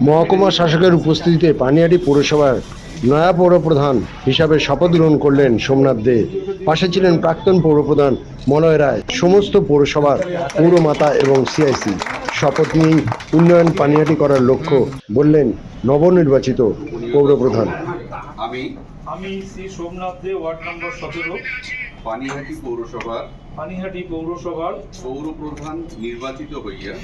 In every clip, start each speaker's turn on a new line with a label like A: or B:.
A: মহকুমা শাসকের উপস্থিতিতে পানিহাটি পৌরসভার নয়া পৌরপ্রধান হিসাবে শপথ গ্রহণ করলেন সোমনাথ দে। পাশে ছিলেন প্রাক্তন পৌরপ্রধান মলয় রায়। সমস্ত পৌরসভার পৌরমাতা এবং সিআইসি শপথ নিয়েই উন্নয়ন পানিহাটি করার লক্ষ্য বললেন নবনির্বাচিত পৌরপ্রধান।
B: আমি শ্রী সোমনাথ দে, ওয়ার্ড নম্বর 17,
C: পানিহাটি পৌরসভার পৌরপ্রধান নির্বাচিত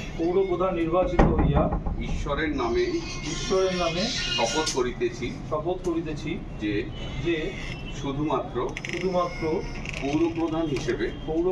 C: হইয়া ঈশ্বরের নামে শপথ করিতেছি যে শুধুমাত্র পৌরপ্রধান হিসেবে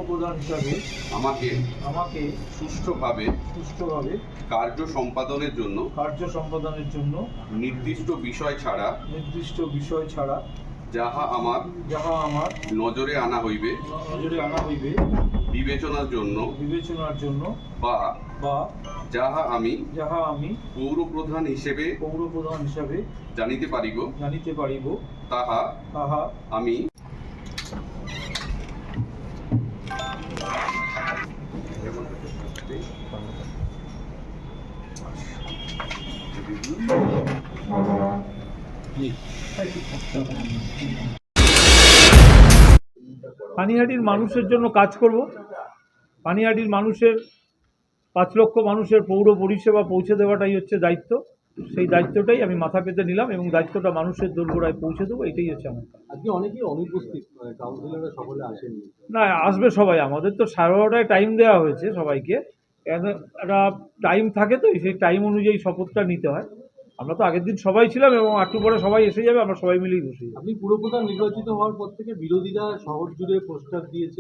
C: আমাকে সুষ্ঠুভাবে কার্য সম্পাদনের জন্য নির্দিষ্ট বিষয় ছাড়া যাহা আমার নজরে আনা হইবে বিবেচনার জন্য বা যাহা আমি পৌরপ্রধান হিসেবে জানিতে পারিব তাহা আমি
B: পানিহাটির মানুষের জন্য কাজ করব। পানিহাটির মানুষের 5 লক্ষ মানুষের পৌর পরিষেবা পৌঁছে দেওয়াটাই হচ্ছে দায়িত্ব। সেই দায়িত্বটাই আমি মাথা পেতে নিলাম এবং দায়িত্বটা মানুষের দোরগোড়ায় পৌঁছে দেবো, এটাই হচ্ছে আমার।
D: আজকে অনেকেই অনুপস্থিত, কাউন্সিলররা সকলে আসেনি।
B: না, আসবে সবাই। আমাদের তো 12:30টায় টাইম দেওয়া হয়েছে সবাইকে। একটা টাইম থাকে, তো সেই টাইম অনুযায়ী শপথটা নিতে হয়। আমরা তো আগের দিন সবাই ছিলাম এবং একটু পরে সবাই এসে যাবে, আমরা সবাই মিলেই বসে যাবো।
D: আপনি পুরপ্রধান নির্বাচিত হওয়ার পর থেকে বিরোধীরা শহর জুড়ে পোস্টার দিয়েছে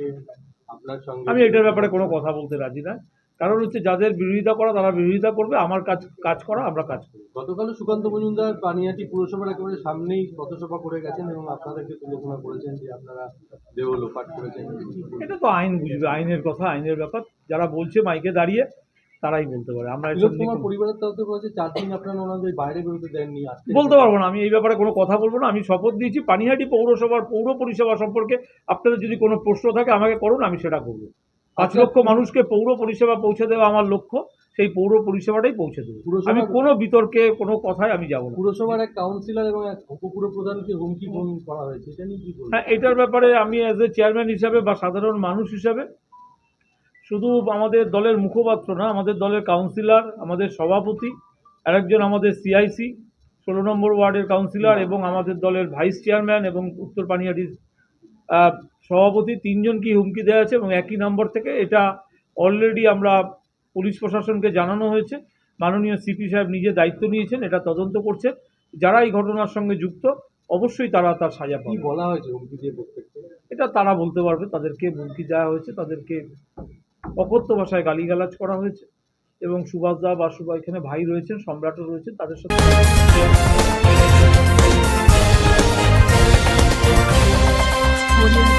D: আপনার সঙ্গে।
B: আমি এটার ব্যাপারে কোনো কথা বলতে রাজি না, কারণ হচ্ছে যাদের বিরোধিতা করা তারা বিরোধিতা করবে, আমার কাজ করা আমরা কাজ করি।
D: গতকাল সুকান্ত মজুমদার পানিহাটি পুরসভার একেবারে সামনেই পথসভা করে গেছেন এবং আপনাদেরকে তুলনা করেছেন যে আপনারা দেহ লোপাট করেছেন।
B: এটা তো আইন বুঝবে, আইনের কথা, আইনের ব্যাপার। যারা বলছে মাইকে দাঁড়িয়ে তারাই বলতে পারে। আমরা
D: তোমার পরিবারের তরফ থেকে বলেছে 4 দিন আপনারা ওনাদের বাইরে বেরোতে দেননি।
B: বলতে পারবো না, আমি এই ব্যাপারে কোনো কথা বলবো না। আমি শপথ দিয়েছি পানিহাটি পৌরসভার পৌর পরিষেবা সম্পর্কে আপনাদের যদি কোনো প্রশ্ন থাকে আমাকে করুন, আমি সেটা করবো। 5 লক্ষ মানুষকে পৌর পরিষেবা পৌঁছে দেওয়া আমার লক্ষ্য, সেই পৌর পরিষেবাটাই পৌঁছে দেবো। আমি কোনো বিতর্কে কোনো কথায় আমি যাবো না।
D: পুরসভার এক কাউন্সিলর এবং এক উপপুরপ্রধানকে হুমকি ফোন করা হয়েছে, এটা নিয়ে কি বলবেন?
B: হ্যাঁ, এটার ব্যাপারে আমি অ্যাজ এ চেয়ারম্যান হিসাবে বা সাধারণ মানুষ হিসাবে, শুধু আমাদের দলের মুখপাত্র না, আমাদের দলের কাউন্সিলর, আমাদের সভাপতি, আরেকজন আমাদের সিআইসি 16 নম্বর ওয়ার্ডের কাউন্সিলর এবং আমাদের দলের ভাইস চেয়ারম্যান এবং উত্তর পানিহাটির সভাপতি, 3 জনকেই হুমকি দেওয়া আছে এবং একই নম্বর থেকে। এটা অলরেডি আমরা পুলিশ প্রশাসনকে জানানো হয়েছে। মাননীয় সিপি সাহেব নিজে দায়িত্ব নিয়েছেন, এটা তদন্ত করছেন। যারা এই ঘটনার সঙ্গে যুক্ত অবশ্যই তারা তার সাজা পাবে।
D: বলা হয়েছে হুমকি দিয়ে প্রত্যেককে?
B: এটা তারা বলতে পারবে। তাদেরকে হুমকি দেওয়া হয়েছে, তাদেরকে অকথ্য ভাষায় গালিগালাজ করা হয়েছে এবং সুভাষ দা বা এখানে ভাই রয়েছেন, সম্রাটও রয়েছেন, তাদের সাথে